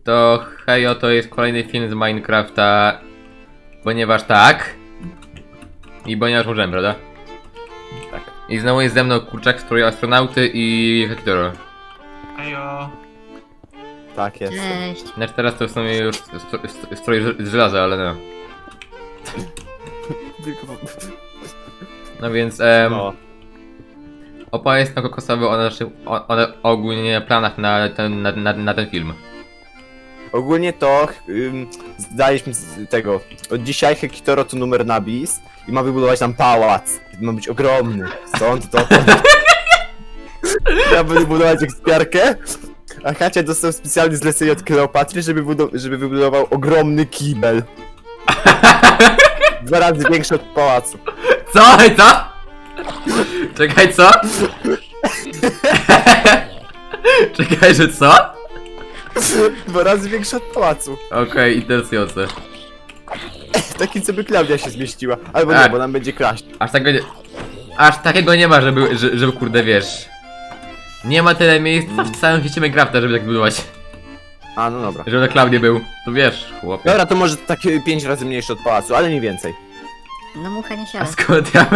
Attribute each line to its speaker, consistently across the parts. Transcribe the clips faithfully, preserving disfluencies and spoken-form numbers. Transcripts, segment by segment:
Speaker 1: to hejo, to jest kolejny film z Minecrafta, ponieważ tak i ponieważ możemy, prawda?
Speaker 2: Tak.
Speaker 1: I znowu jest ze mną kurczak, strój astronauty i Hekitoro.
Speaker 3: Hejo.
Speaker 2: Tak jest.
Speaker 4: Cześć.
Speaker 1: Znaczy teraz to w sumie już stro- stro- strój z żelaza, ale no.
Speaker 2: Tylko...
Speaker 1: No więc em,
Speaker 2: No.
Speaker 1: opowiedz na kokosowy o naszych, o, o, ogólnie planach na ten, na, na, na ten film.
Speaker 2: Ogólnie to ym, zdaliśmy z tego. Od dzisiaj Hekitoro to numer na bis i ma wybudować nam pałac. Ma być ogromny. Stąd to. Ja będę budować ekspiarkę. A Hacia dostał specjalne zlecenie od Kleopatry, żeby, budo- żeby wybudował ogromny kibel. Dwa razy większy od pałacu.
Speaker 1: Co? I co? Czekaj, co? Czekaj, że co?
Speaker 2: Dwa razy większy od pałacu.
Speaker 1: Okej, interesujące.
Speaker 2: Taki, co by Klaudia się zmieściła. Albo nie,
Speaker 1: Tak.
Speaker 2: bo nam będzie kraść.
Speaker 1: Aż takiego nie, aż takiego nie ma, żeby, żeby, żeby kurde wiesz. Nie ma tyle miejsc w całym świecie Minecrafta, żeby tak budować.
Speaker 2: A, no dobra.
Speaker 1: Żeby na Klaudię był. To wiesz, chłopie.
Speaker 2: Dobra, to może tak pięć razy mniejszy od pałacu, ale nie więcej.
Speaker 4: No mucha nie
Speaker 1: A
Speaker 4: siada.
Speaker 1: skąd ja...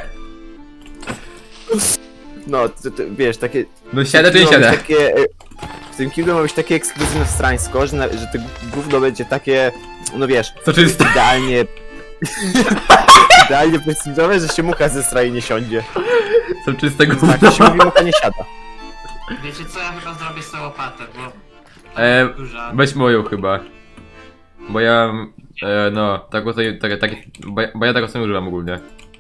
Speaker 2: No, to, to, wiesz, takie...
Speaker 1: No siadę czy nie
Speaker 2: ma być
Speaker 1: siadę?
Speaker 2: takie, e, w tym kiblu ma być takie ekskluzywne strańsko, że, na, że to gówno będzie takie, no wiesz,
Speaker 1: Co czyste?
Speaker 2: idealnie... idealnie prestiżowe, że się mucha ze strony nie siądzie.
Speaker 1: Co czystego
Speaker 2: Tak, to się mówi, mucha nie siada.
Speaker 3: Wiecie co, ja chyba zrobię sobie łopatę, bo...
Speaker 1: E,
Speaker 3: Duża.
Speaker 1: Weź moją chyba. Bo ja... E, no, tak o tej, tak, tak, bo, ja, bo ja tego sobie używam ogólnie.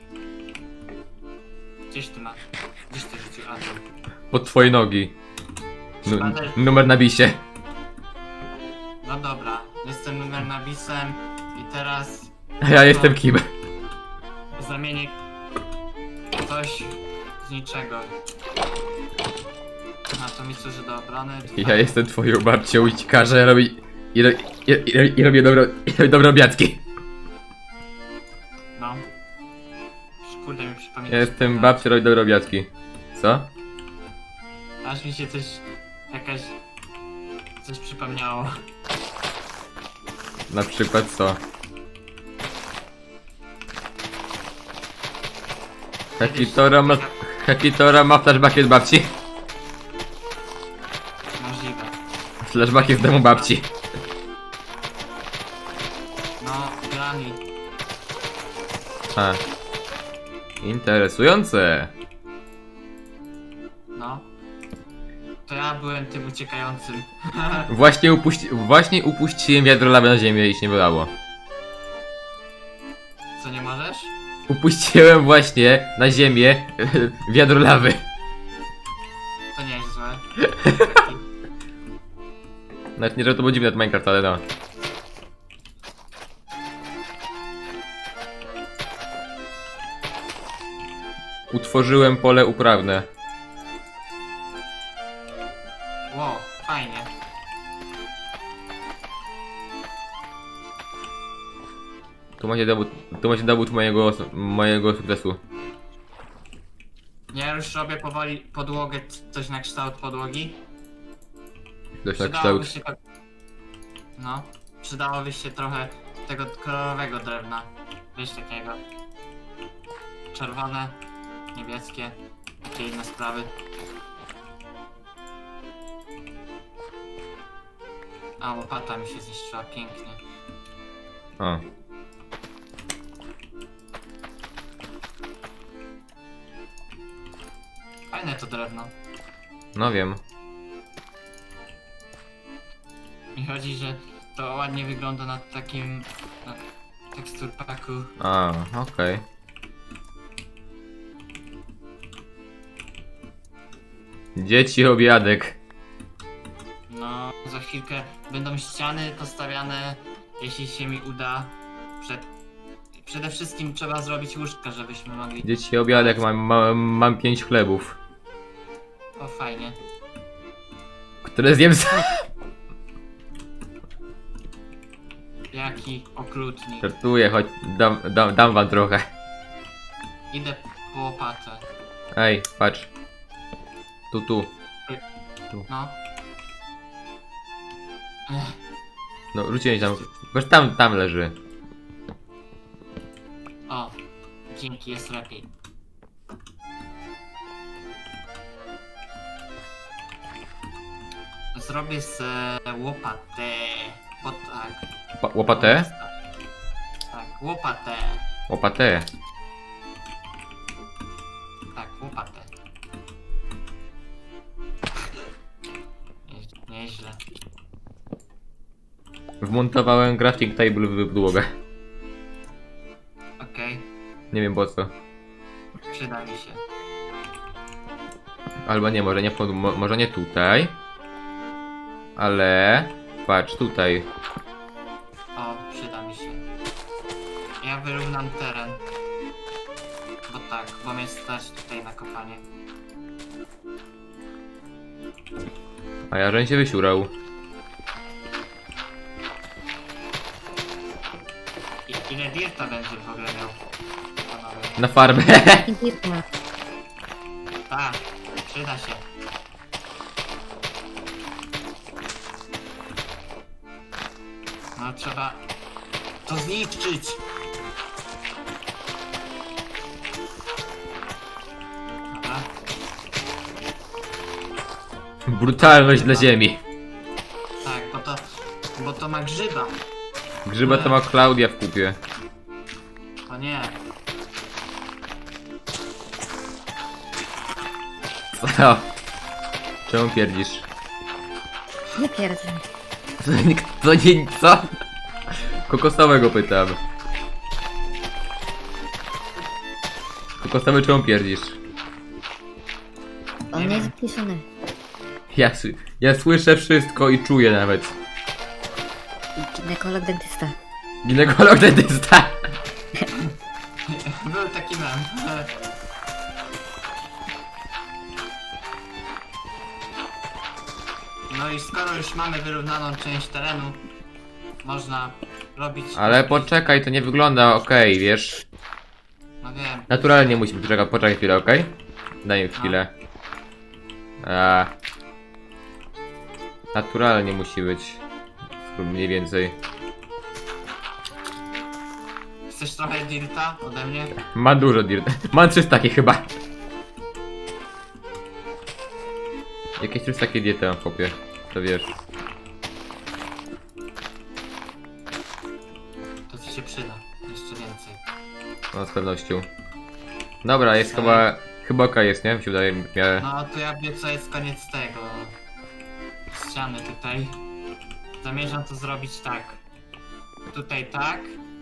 Speaker 3: Gdzieś ty masz? Gdzieś ty rzucił atom?
Speaker 1: Pod twoje nogi. Nu,
Speaker 3: Szpadę.
Speaker 1: numer na bisie.
Speaker 3: No dobra, jestem numer nawisem i teraz
Speaker 1: A ja jestem kim?
Speaker 3: zamienię coś z niczego. A to mi służy do obrony.
Speaker 1: Ja jestem twoją babcią i ci każę robić... I, ro, i, i, i robię dobro, i robię dobre obiadki.
Speaker 3: No. Kurde mi przypomina.
Speaker 1: Ja jestem babcią, robię dobre obiadki. Co?
Speaker 3: Aż mi się coś... jakaś... coś przypomniało.
Speaker 1: Na przykład co? Hekitora ma... Hekitora ma flashbacki z babci.
Speaker 3: Możliwe.
Speaker 1: Flashbacki z domu babci.
Speaker 3: No, Granny.
Speaker 1: A. Interesujące.
Speaker 3: No. To ja byłem tym uciekającym.
Speaker 1: Właśnie, upuści... Właśnie upuściłem wiadro lawy na ziemię i się nie wylało.
Speaker 3: Co, nie możesz?
Speaker 1: Upuściłem właśnie na ziemię wiadro lawy.
Speaker 3: To nie jest złe.
Speaker 1: Nawet nie, że to było dziwne od Minecraft, ale no. Utworzyłem pole uprawne.
Speaker 3: Wow, fajnie.
Speaker 1: Tu macie dowód, tu macie dowód mojego, mojego sukcesu.
Speaker 3: Ja już robię powoli podłogę, c- coś na kształt podłogi.
Speaker 1: Dość na
Speaker 3: Przydałoby
Speaker 1: kształt.
Speaker 3: się tak... No. Przydałoby się trochę tego kolorowego drewna. Wiesz, takiego. Czerwone, niebieskie, takie inne sprawy. A, łopata mi się zniszczyła pięknie.
Speaker 1: O.
Speaker 3: Fajne to drewno.
Speaker 1: No wiem.
Speaker 3: Mi chodzi, że to ładnie wygląda na takim... na teksturpaku.
Speaker 1: A, okej. Dzieci obiadek.
Speaker 3: No, za chwilkę będą ściany postawiane, jeśli się mi uda. Przed... Przede wszystkim trzeba zrobić łóżka, żebyśmy mogli...
Speaker 1: Dzieci obiadek, mam, mam, mam pięć chlebów.
Speaker 3: O, fajnie.
Speaker 1: Które zjem sam.
Speaker 3: Jaki okrutnik.
Speaker 1: Żartuję, choć dam, dam, dam wam trochę.
Speaker 3: Idę po łopatę.
Speaker 1: Ej, patrz. Tu, tu.
Speaker 3: No. Ech.
Speaker 1: No, rzuciłem tam. Boż tam, tam leży.
Speaker 3: O, dzięki, jest lepiej. Zrobię z e, łopatę. Bo tak.
Speaker 1: Pa łopatę?
Speaker 3: Tak, łopatę.
Speaker 1: Łopatę.
Speaker 3: Tak, łopatę. Nie, nieźle.
Speaker 1: Wmontowałem crafting table w podłogę.
Speaker 3: Okej,
Speaker 1: Nie wiem po co.
Speaker 3: przyda mi się.
Speaker 1: Albo nie, może nie, pod, mo, może nie tutaj. Ale... Patrz, tutaj.
Speaker 3: O, przyda mi się. Ja wyrównam teren. Bo tak, bo mnie stać tutaj na kopanie.
Speaker 1: A ja żeń się wysiurał.
Speaker 3: I, ile dirta będzie w ogóle miał? Panowie.
Speaker 1: Na farmę.
Speaker 4: Dirta.
Speaker 3: Tak, przyda się. No trzeba to zniszczyć. Dobra.
Speaker 1: Brutalność dla ziemi.
Speaker 3: Tak, bo to, bo to ma grzyba.
Speaker 1: Grzyba to ma Klaudia w kupie.
Speaker 3: To nie.
Speaker 1: O. Czemu pierdzisz?
Speaker 4: Nie pierdzę.
Speaker 1: To nie, to nie, co? Kokosowego pytam. Kokosowy, czemu pierdzisz?
Speaker 4: On
Speaker 3: Nie
Speaker 4: nie jest
Speaker 3: wiem.
Speaker 4: wpiszony.
Speaker 1: Ja, sły- ja słyszę wszystko i czuję nawet.
Speaker 4: Ginekolog dentysta.
Speaker 1: Ginekolog dentysta.
Speaker 3: Był taki mem. No i skoro już mamy wyrównaną część terenu, można robić...
Speaker 1: Ale poczekaj, to nie wygląda okej, wiesz?
Speaker 3: No wiem.
Speaker 1: Naturalnie musimy poczekać, poczekaj chwilę, okej? Daj mi chwilę. A... Naturalnie musi być. Mniej więcej.
Speaker 3: Chcesz trochę dirta ode mnie?
Speaker 1: Ma dużo dirt. Mam trzysta takie chyba. Jakieś trzysta takie diety mam w kopie. To wiesz.
Speaker 3: To ci się przyda. Jeszcze więcej.
Speaker 1: No z pewnością. Dobra, jest chyba... Chyba okej jest, nie? Mi się wydaje w miarę...
Speaker 3: No to ja wiem co jest koniec tego. Ściany tutaj. Zamierzam to zrobić tak. Tutaj tak.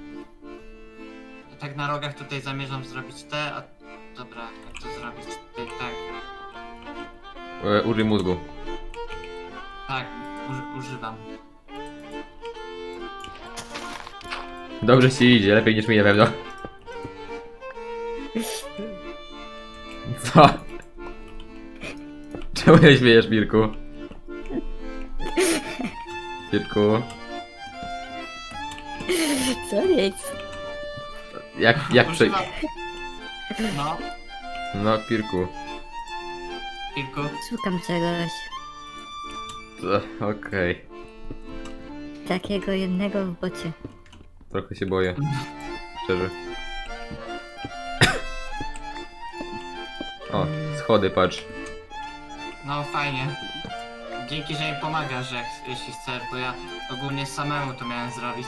Speaker 3: I tak na rogach tutaj zamierzam zrobić te, a... Dobra, jak to zrobić? Tutaj tak.
Speaker 1: E, użyj mózgu.
Speaker 3: Tak, uży używam.
Speaker 1: Dobrze ci idzie, lepiej niż mi na pewno. Co? Czemu nie śmiejesz, Mirku? Mirku?
Speaker 4: Co jest?
Speaker 1: Jak, jak prze...
Speaker 3: Używam. No,
Speaker 1: No, Pirku.
Speaker 3: kilku.
Speaker 4: Szukam czegoś.
Speaker 1: To- Okej.
Speaker 4: Takiego jednego w bocie.
Speaker 1: Trochę się boję. Szczerze. O, schody, patrz.
Speaker 3: No fajnie. Dzięki, że mi pomagasz, jak, jeśli chcesz, bo ja ogólnie samemu to miałem zrobić.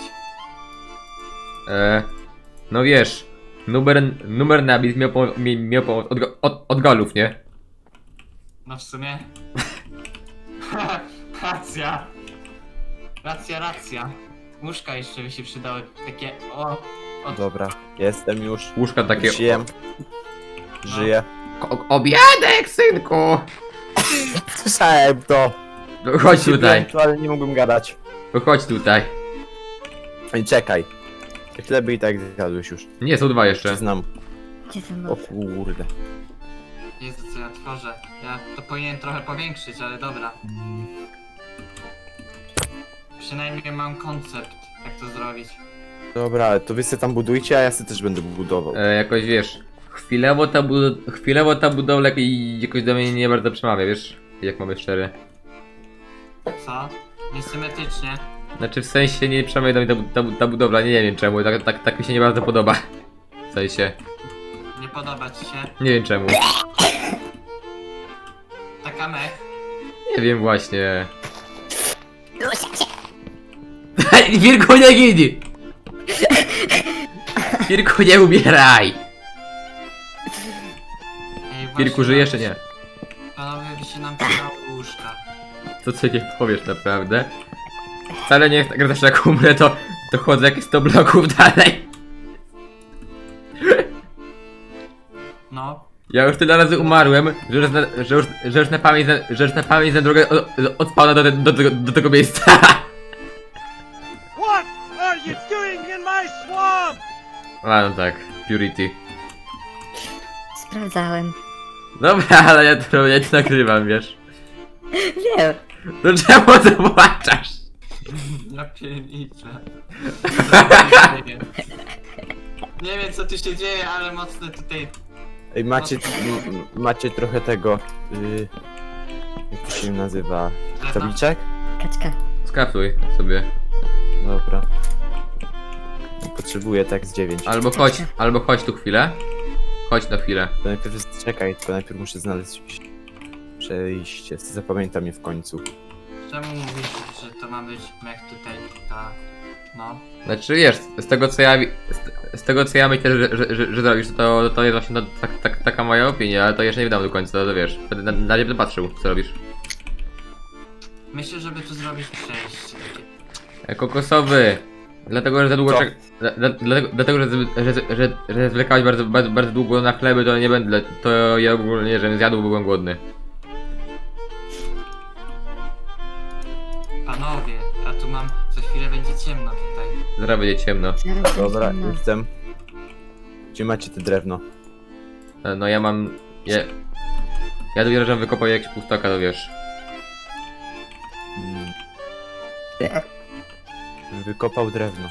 Speaker 1: E, no wiesz, numer, numer nabit miał, po, mi- miał pomoc od, go- od, od galów, nie?
Speaker 3: No w sumie. Racja. Racja, racja. Łóżka jeszcze by się przydały. Takie o. Od...
Speaker 2: Dobra, jestem już.
Speaker 1: Łóżka takie...
Speaker 2: Żyję. Żyję.
Speaker 1: O, obiadek, synku!
Speaker 2: Słyszałem to.
Speaker 1: No, chodź tutaj,
Speaker 2: To, ale nie mogłem gadać.
Speaker 1: no, chodź tutaj.
Speaker 2: Ej, czekaj. Tyle by i tak zjadłeś już.
Speaker 1: Nie, są dwa jeszcze.
Speaker 2: Znam.
Speaker 4: Gdzie są
Speaker 2: O
Speaker 4: boty?
Speaker 2: kurde.
Speaker 3: Jezu, co ja tworzę. Ja to powinien trochę powiększyć, ale dobra. Przynajmniej mam koncept, jak to zrobić.
Speaker 2: Dobra, ale to wy sobie tam budujcie, a ja sobie też będę budował.
Speaker 1: E, jakoś wiesz, chwilowo ta, bud- chwilowo ta budowla i jakoś do mnie nie bardzo przemawia, wiesz? Jak mamy szczery.
Speaker 3: Co? Niesymetrycznie.
Speaker 1: Znaczy w sensie nie przemawia do mnie ta, ta, ta budowla, nie, nie wiem czemu, tak, tak, tak mi się nie bardzo podoba. W sensie,
Speaker 3: Nie podoba ci się?
Speaker 1: nie wiem czemu.
Speaker 3: Taka mech.
Speaker 1: Nie wiem właśnie. Wirku nie gini! Wirku nie umieraj!
Speaker 3: Ej, właśnie
Speaker 1: Wirku żyjesz czy nie?
Speaker 3: Panowie, by się nam przydały łóżka.
Speaker 1: To co nie powiesz naprawdę? Wcale nie jest tak, że też jak umrę to, to chodzę jakieś sto bloków dalej.
Speaker 3: No.
Speaker 1: Ja już tyle razy umarłem, że już, na, że już, że już na pamięć, zna- że już na pamięć znam drogę od, od spawna do, te, do, tego, do tego miejsca.
Speaker 5: What are you doing in my swamp?
Speaker 1: A no tak, Purity.
Speaker 4: Sprawdzałem.
Speaker 1: Dobra, ale ja to, ja to nagrywam, wiesz.
Speaker 4: Wiem.
Speaker 1: No czemu to płaczasz?
Speaker 3: Ja pierniczę. Nie wiem co tu się dzieje, ale mocno tutaj...
Speaker 2: Ej, macie, m- macie trochę tego, y, jak to się nazywa, tabliczek?
Speaker 4: Kaczka.
Speaker 1: Skafluj sobie.
Speaker 2: Dobra. Potrzebuję tak z dziewięć.
Speaker 1: Albo chodź, albo chodź tu chwilę. Chodź na chwilę.
Speaker 2: To najpierw jest, czekaj, tylko najpierw muszę znaleźć przejście, zapamiętam je w końcu.
Speaker 3: Czemu mówisz, że to ma być mech tutaj, ta... No.
Speaker 1: Znaczy wiesz, z tego co ja wi- z, z tego co ja myślę, że, że, że, że zrobisz, to, to jest właśnie no, tak, tak, taka moja opinia, ale to jeszcze nie wydam do końca, to, to wiesz. Będę na, na nie będę patrzył, co robisz.
Speaker 3: Myślę, żeby tu zrobić przejście takie.
Speaker 1: E, Kokosowy! Dlatego, że za długo
Speaker 2: Co?
Speaker 1: czek... Dla, dla, dlatego, dlatego, że, że, że, że, że zwlekałeś bardzo, bardzo, bardzo długo na chleby, to nie będę, to ja ogólnie, żebym zjadł, bo byłem głodny.
Speaker 3: Panowie, a tu mam... Za chwilę będzie ciemno tutaj.
Speaker 1: Zaraz będzie ciemno.
Speaker 4: Zaraz
Speaker 2: Dobra,
Speaker 4: będzie ciemno.
Speaker 2: jestem. Gdzie macie te drewno?
Speaker 1: E, No ja mam... Ja, ja dopiero, żebym wykopał jakiś pustaka, to wiesz.
Speaker 2: Mm. Wykopał drewno.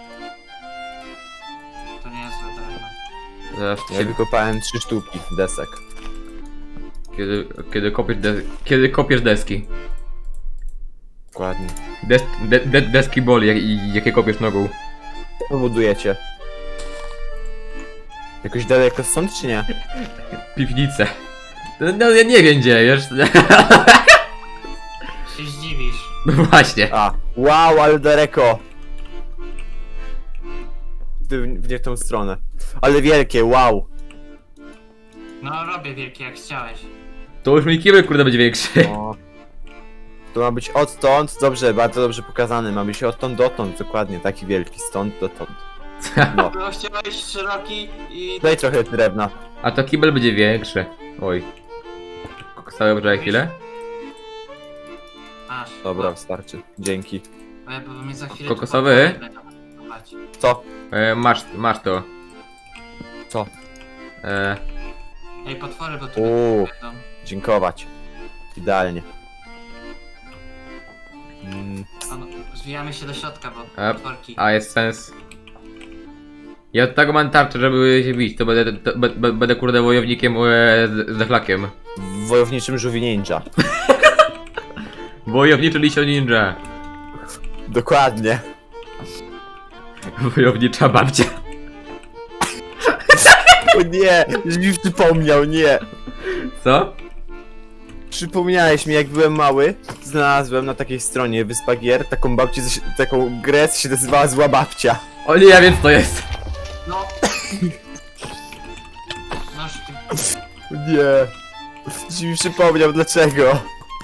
Speaker 3: To nie jest złe drewno.
Speaker 1: Zaraz
Speaker 2: Ja
Speaker 1: się,
Speaker 2: wykopałem trzy sztuki desek.
Speaker 1: kiedy, kiedy, kopiesz des, kiedy kopiesz deski.
Speaker 2: Dokładnie.
Speaker 1: Des, de, de, deski boli, jak, i- jakie kopiesz nogą.
Speaker 2: Co budujecie? Jakoś daleko stąd, czy nie?
Speaker 1: Piwnicę. No, no ja nie wiem gdzie, wiesz.
Speaker 3: Się zdziwisz.
Speaker 1: No właśnie.
Speaker 2: A, wow, ale daleko! W, w nie w tą stronę. Ale wielkie, wow!
Speaker 3: No robię wielkie jak chciałeś.
Speaker 1: To już mój kibel kurde będzie większy.
Speaker 2: O. To ma być odtąd, dobrze, bardzo dobrze pokazane. Ma być odtąd dotąd, dokładnie, taki wielki, stąd dotąd. No,
Speaker 3: No chciałeś szeroki i...
Speaker 2: daj trochę drewna.
Speaker 1: A to kibel będzie większy. Oj. Kokosowy, poczekaj chwilę.
Speaker 3: Aż.
Speaker 2: Dobra, starczy. Dzięki.
Speaker 3: Bo ja bo mnie za chwilę...
Speaker 1: Kokosowy?
Speaker 3: tu będą atakować.
Speaker 2: Co?
Speaker 1: E, masz, masz to.
Speaker 2: Co?
Speaker 1: E,
Speaker 3: Ej, potwory, bo tu
Speaker 2: Uuu,
Speaker 3: będą...
Speaker 2: dziękować. Idealnie. Mm,
Speaker 3: A no, zwijamy się do środka, bo
Speaker 1: A-
Speaker 3: potworki...
Speaker 1: a jest sens. Ja od tego mam tarczę, żeby się bić. To będę, to, be, be, będę kurde wojownikiem e, z, z zachlakiem.
Speaker 2: w wojowniczym żółwi ninja.
Speaker 1: Wojowniczy Lisio Ninja.
Speaker 2: Dokładnie.
Speaker 1: Wojownicza babcia.
Speaker 2: O nie, już mi przypomniał, nie.
Speaker 1: Co?
Speaker 2: Przypomniałeś mi, jak byłem mały, znalazłem na takiej stronie Wyspa Gier taką babcię, co się- taką grę, co się nazywała Zła Babcia.
Speaker 1: O nie, ja wiem co to jest.
Speaker 3: No! Masz ty...
Speaker 2: O nie. Już mi przypomniał, dlaczego.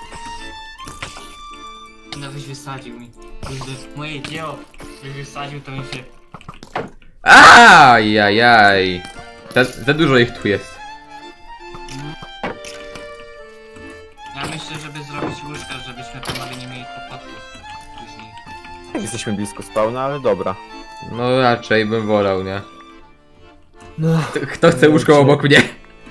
Speaker 3: No byś wysadził mi. Kurde, moje dzieło. Byś wysadził, to mi się...
Speaker 1: Ajajaj. Za, za dużo ich tu jest.
Speaker 3: Ja myślę, żeby zrobić łóżka, żebyśmy panowie nie mieli kłopotów później.
Speaker 2: Jesteśmy blisko spawna, ale dobra.
Speaker 1: No raczej bym wolał, nie?
Speaker 2: No.
Speaker 1: Kto chce łóżko obok mnie?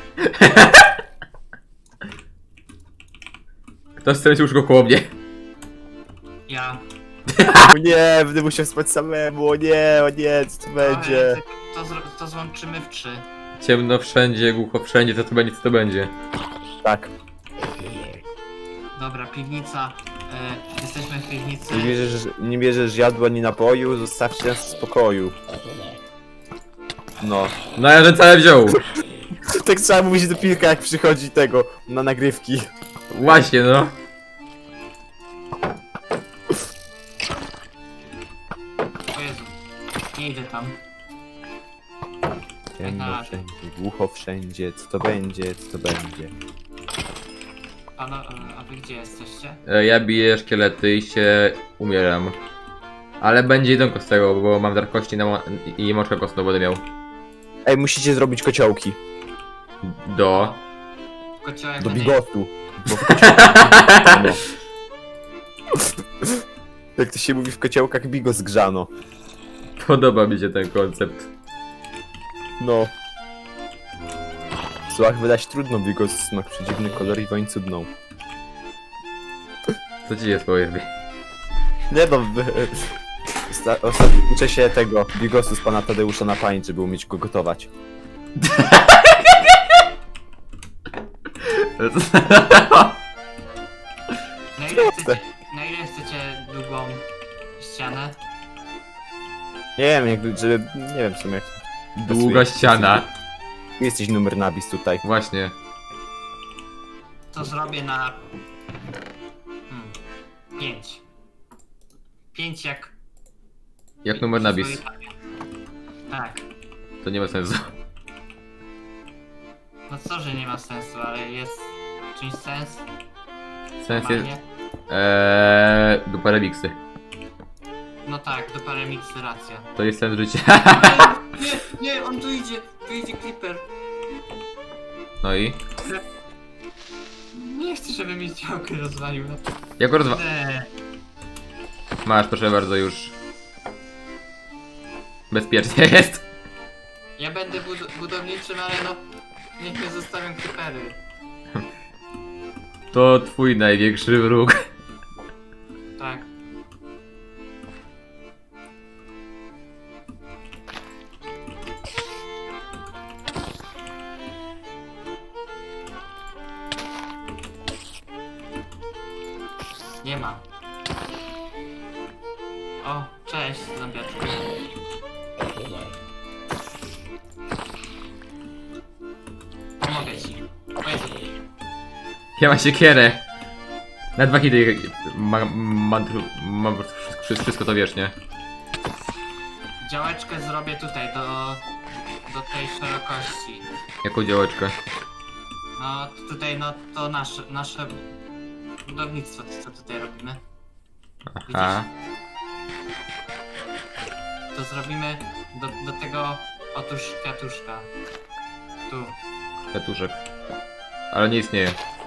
Speaker 1: Kto chce mieć łóżko koło mnie?
Speaker 3: Ja...
Speaker 2: O nie, będę musiał spać samemu, o nie, o nie, co to będzie?
Speaker 3: Ej, To, zro- to złączymy w trzy.
Speaker 1: Ciemno wszędzie, głucho wszędzie, co to będzie, co to będzie.
Speaker 2: Tak.
Speaker 3: Dobra, piwnica. E, jest jesteśmy w piwnicy.
Speaker 2: Nie bierzesz, nie bierzesz jadła ani napoju, zostawcie nas w spokoju. No.
Speaker 1: No ja że całe wziął.
Speaker 2: Tak trzeba mówić do Pilka, jak przychodzi tego na nagrywki.
Speaker 1: Właśnie no.
Speaker 3: O Jezu, nie idę tam.
Speaker 2: Ciemno wszędzie, głucho wszędzie, co to będzie, co to będzie.
Speaker 3: Pano, e, a wy gdzie jesteście?
Speaker 1: E, Ja biję szkielety i się umieram. Ale będzie jedynko z tego, bo mam dar kości na mo- i moczkę kostną będę miał.
Speaker 2: Ej, musicie zrobić kociołki.
Speaker 1: Do.
Speaker 3: Kociołek
Speaker 2: Do
Speaker 3: będzie-
Speaker 2: bigosu. Bo w kociołkach... no. Jak to się mówi w kociołkach, bigos grzano.
Speaker 1: Podoba mi się ten koncept.
Speaker 2: No. W słowach wydać trudno, bigos smak przedziwny kolor i woń cudną.
Speaker 1: Co ci jest powiedz mi?
Speaker 2: Nie no, wy- Osta- ostatnio uczę się tego bigosu z pana Tadeusza na pamięć, żeby umieć go gotować.
Speaker 3: Na ile chcecie, na ile chcecie długą ścianę?
Speaker 2: Nie wiem, jakby, żeby... nie wiem w sumie jak...
Speaker 1: Długa ściana.
Speaker 2: Jesteś numer nabis tutaj.
Speaker 1: Właśnie.
Speaker 3: To zrobię na... Hmm. Pięć. Pięć jak...
Speaker 1: Jak numer nabis.
Speaker 3: Tak.
Speaker 1: To nie ma sensu.
Speaker 3: No co, że nie ma sensu, ale jest czymś sens?
Speaker 1: Sens jest...
Speaker 3: Normalnie?
Speaker 1: Eee... Dupa remiksy.
Speaker 3: No tak, do parę miksy racja.
Speaker 1: To jest sens życia.
Speaker 3: Nie, nie, on tu idzie, tu idzie Creeper.
Speaker 1: No i?
Speaker 3: Nie chcę, żeby mi działkę rozwalił. No.
Speaker 1: Jak go rozwa...
Speaker 3: Nie.
Speaker 1: Masz, proszę bardzo, już. Bezpiecznie jest.
Speaker 3: Ja będę bud budowniczym, ale no... Niech mnie zostawią Creepery.
Speaker 1: To twój największy wróg.
Speaker 3: Tak. Nie ma. O, cześć, zombiaczku. Pomogę ci. O Jezu.
Speaker 1: Ja mam siekierę. Na dwa hity mam, mam, mam wszystko, wszystko to wiesz, nie?
Speaker 3: Działeczkę zrobię tutaj, do, do tej szerokości.
Speaker 1: Jaką działeczkę?
Speaker 3: No, tutaj, no, to nasze, nasze budownictwo, co tutaj robimy.
Speaker 1: Aha.
Speaker 3: To zrobimy do, do tego, otóż kwiatuszka. Tu.
Speaker 1: Kwiatuszek. Ale nie istnieje.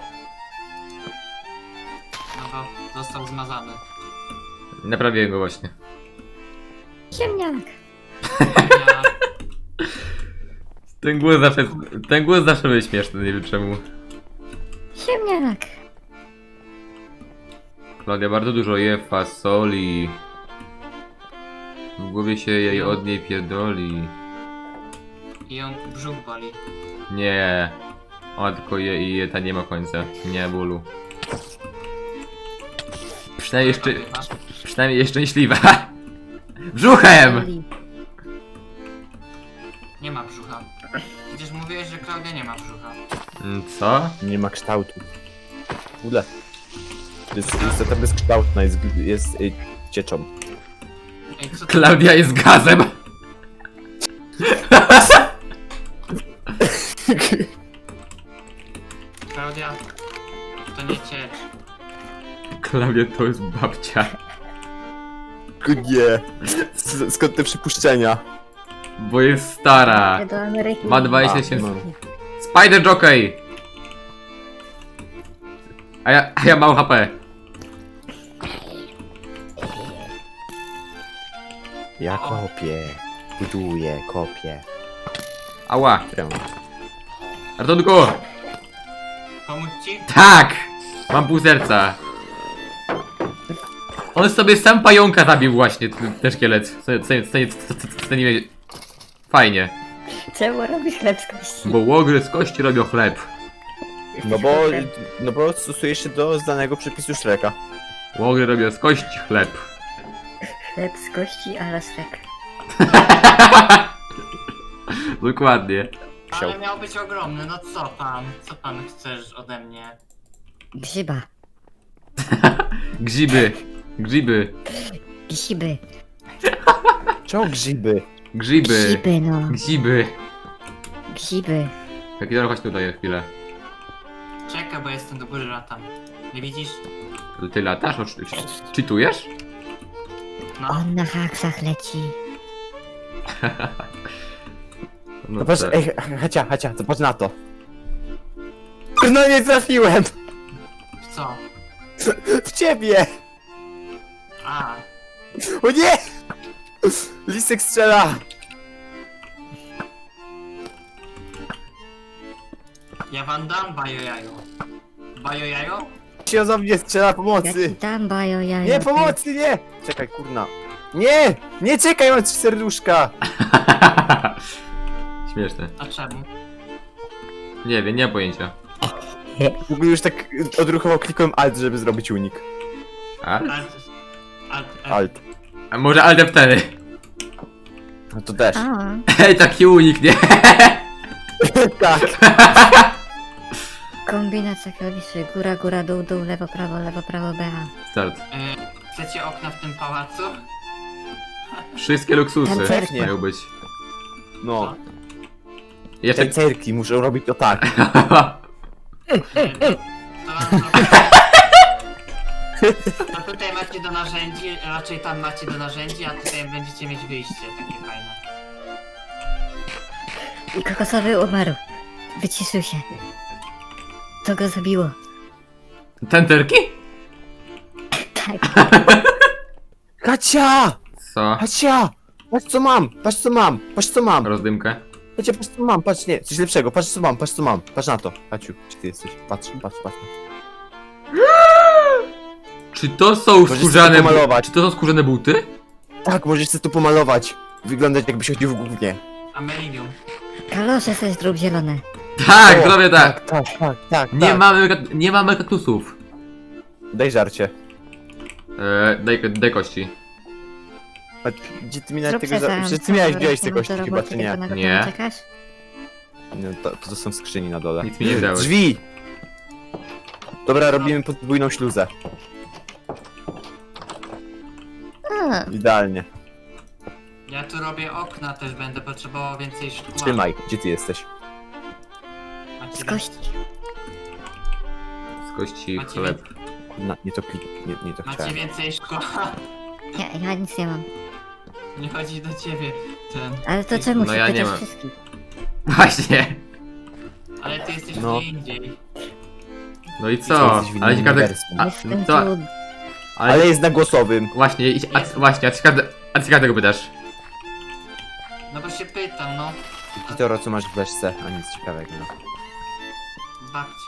Speaker 3: No bo został zmazany.
Speaker 1: Naprawiłem go właśnie.
Speaker 4: Ziemniak.
Speaker 3: Ja,
Speaker 1: Ten głos zawsze, ten głos zawsze był śmieszny, nie wiem czemu.
Speaker 4: Ziemniak.
Speaker 1: Klaudia bardzo dużo je fasoli. W głowie się jej od niej pierdoli.
Speaker 3: I ją brzuch boli.
Speaker 1: Nie. Ona tylko je i je, ta nie ma końca. Nie bólu. Przynajmniej jeszcze,
Speaker 3: Masz?
Speaker 1: przynajmniej jest szczęśliwa. Brzuchem!
Speaker 4: Oli.
Speaker 3: Nie ma brzucha. Przecież mówiłeś, że Klaudia nie ma brzucha.
Speaker 1: Mm, Co?
Speaker 2: Nie ma kształtu. W ogóle. Jest, jest ta bezkształtna, jest, jest y, cieczą.
Speaker 3: Ej, co to?
Speaker 1: Klaudia jest gazem!
Speaker 3: Klaudia, to nie ciecz.
Speaker 1: Klaudia to jest babcia.
Speaker 2: Nie. S- Skąd te przypuszczenia?
Speaker 1: Bo jest stara.
Speaker 4: Do Ameryki.
Speaker 1: Ma dwadzieścia
Speaker 2: A,
Speaker 1: tysięcy.
Speaker 2: no.
Speaker 1: Spider Jockey! A ja, a ja mało H P.
Speaker 2: Ja kopię. Buduję, kopię.
Speaker 1: Ała.
Speaker 2: Trę.
Speaker 1: Ratunku!
Speaker 3: Pomóc ci?
Speaker 1: Tak! Mam pół serca. On sobie sam pająka zabił właśnie, ten ten szkielet. Co- co- co- co- co- co- nie- Fajnie.
Speaker 4: Czemu robisz chleb z kości?
Speaker 1: Bo łogry z kości robią chleb.
Speaker 2: No bo, no bo stosuje się do znanego przepisu Shreka.
Speaker 1: Łogry robią z kości chleb.
Speaker 4: Chleb z kości, a lasek.
Speaker 1: Dokładnie.
Speaker 3: Ale miał być ogromny, no co pan? Co pan chcesz ode mnie?
Speaker 4: Grzyba.
Speaker 1: Grzyby. Grzyby.
Speaker 4: Grzyby.
Speaker 2: Czemu grzyby?
Speaker 1: Grzyby.
Speaker 4: Grzyby, no.
Speaker 1: Grzyby.
Speaker 4: Grzyby.
Speaker 1: Kakidor, chodź tutaj na chwilę.
Speaker 3: Czekaj, bo jestem do góry latam. Nie widzisz?
Speaker 1: Ty latasz? O, czy- czy- Czytujesz?
Speaker 3: No.
Speaker 4: On na haksach leci.
Speaker 2: No patrz,
Speaker 1: tak.
Speaker 2: ej, Hacia, Hacia, to patrz na to. No nie trafiłem!
Speaker 3: Co?
Speaker 2: W ciebie!
Speaker 3: A,
Speaker 2: O nie! Lisek strzela!
Speaker 3: ja wam dam bajojajo. Bajojajo?
Speaker 2: Się za mnie strzela
Speaker 4: Ja ci
Speaker 2: pomocy!
Speaker 4: dam bajo jajo.
Speaker 2: Nie, pomocy, nie! Czekaj, kurna. Nie! Nie czekaj, mam trzy serduszka!
Speaker 1: Śmieszne.
Speaker 3: A czemu?
Speaker 1: Nie wiem, nie mam pojęcia.
Speaker 2: W ogóle już tak odruchowo klikłem Alt, żeby zrobić unik.
Speaker 1: A?
Speaker 3: Alt, alt, alt.
Speaker 2: Alt.
Speaker 1: A może Alt F cztery?
Speaker 2: No to też.
Speaker 4: A,
Speaker 1: Hej, taki unik, nie?
Speaker 2: Tak.
Speaker 4: kombinacja klawiszy. Góra, góra, dół, dół, lewo, prawo, lewo, prawo, B A.
Speaker 1: Start.
Speaker 3: Y, chcecie okna w tym pałacu?
Speaker 1: Wszystkie luksusy
Speaker 4: Tancerki.
Speaker 1: mają być.
Speaker 2: No.
Speaker 1: Jeszcze...
Speaker 2: Te cerki muszą robić to tak.
Speaker 3: Y, to, wam zrobię- to tutaj macie do narzędzi, raczej tam macie do narzędzi, a tutaj będziecie mieć wyjście takie fajne.
Speaker 4: I kokosowy umarł. Wyciszył się. To go zabiło.
Speaker 1: Tenterki?
Speaker 4: Tak.
Speaker 2: Hacia!
Speaker 1: Co?
Speaker 2: Hacia! Patrz co mam! Patrz co mam! Patrz co mam!
Speaker 1: Rozdymkę?
Speaker 2: Hacia, patrz co mam! Patrz, nie, coś lepszego! Patrz co mam! Patrz co mam! Patrz na to! Haciu, gdzie ty jesteś? Patrz, patrz, patrz.
Speaker 1: Czy to są
Speaker 2: Możesz
Speaker 1: skórzane
Speaker 2: sobie
Speaker 1: buty?
Speaker 2: pomalować.
Speaker 1: Czy to są skórzane buty?
Speaker 2: Tak, możesz sobie tu pomalować. Wyglądać jakbyś chodził w gównie.
Speaker 3: Amelinium.
Speaker 4: Kalosze sobie zrób zielone.
Speaker 1: Tak,
Speaker 2: O,
Speaker 1: zrobię tak.
Speaker 2: Tak, tak, tak,
Speaker 1: Nie
Speaker 2: tak.
Speaker 1: mamy, ka- nie mamy kaktusów.
Speaker 2: Daj żarcie.
Speaker 1: E, daj, daj kości.
Speaker 2: A gdzie ty mi nawet
Speaker 4: Zrób
Speaker 2: tego
Speaker 4: se
Speaker 2: za...
Speaker 4: sam,
Speaker 2: Przecież ty miałeś
Speaker 4: sam
Speaker 2: wziąć te
Speaker 4: wreszcie
Speaker 2: kości
Speaker 4: do
Speaker 2: chyba,
Speaker 4: roboty,
Speaker 2: czy nie?
Speaker 4: tylko na gotowe
Speaker 1: Nie.
Speaker 4: czekasz?
Speaker 2: No, to, to są skrzyni na dole.
Speaker 1: Nic mi nie wziąłeś.
Speaker 2: Drzwi! Dobra, robimy podwójną śluzę.
Speaker 4: A,
Speaker 2: Idealnie.
Speaker 3: Ja tu robię okna, też będę potrzebował więcej szkła.
Speaker 2: Trzymaj, gdzie ty jesteś?
Speaker 3: Macie
Speaker 4: z kości.
Speaker 1: Z kości
Speaker 3: Macie
Speaker 1: chleb.
Speaker 2: Na, nie to klik, nie, nie to
Speaker 3: Macie
Speaker 2: chciałem.
Speaker 3: więcej szkła?
Speaker 4: Ja, ja nic nie mam.
Speaker 3: Nie chodzi do ciebie ten.
Speaker 4: Ale to czemu
Speaker 1: No
Speaker 4: się
Speaker 1: ja nie
Speaker 4: pytasz
Speaker 1: mam.
Speaker 4: wszystkich?
Speaker 1: Właśnie.
Speaker 3: Ale ty jesteś
Speaker 2: No.
Speaker 3: gdzie indziej.
Speaker 1: No i
Speaker 2: Ty
Speaker 1: co?
Speaker 2: jesteś w
Speaker 1: Ale ci
Speaker 2: innym
Speaker 1: każdy...
Speaker 2: uniwersum.
Speaker 1: A,
Speaker 4: Jestem
Speaker 1: co?
Speaker 4: tu.
Speaker 1: Ale...
Speaker 2: Ale jest na głosowym.
Speaker 1: Właśnie, idź- a, właśnie, a ty każdy... A ty każdego pytasz.
Speaker 3: No bo się pytam, no.
Speaker 2: Kitoro, co masz w beczce? A nic ciekawego. No.
Speaker 3: Babcie.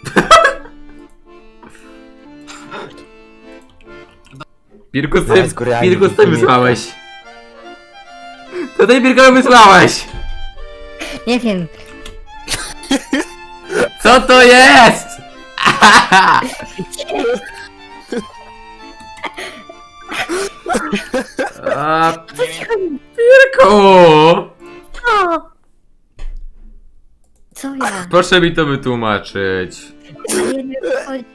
Speaker 1: Pirku,
Speaker 2: Zaraz
Speaker 1: ty...
Speaker 2: go realnie
Speaker 1: Pirku, ty
Speaker 2: wypłynie.
Speaker 1: wysłałeś. To ty Pirku wysłałeś!
Speaker 4: Nie wiem.
Speaker 1: Co to jest? A, Pirku!
Speaker 4: Co ja?
Speaker 1: Proszę mi to wytłumaczyć.
Speaker 4: Nie wiem, o co chodzi.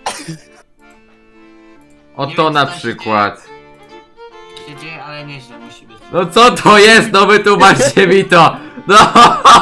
Speaker 1: O
Speaker 3: Nie
Speaker 1: to
Speaker 3: wiem,
Speaker 1: na
Speaker 3: co tam się
Speaker 1: przykład.
Speaker 3: Się dzieje, ale nieźle musi być.
Speaker 1: No co to jest? No wytłumaczcie mi to! No!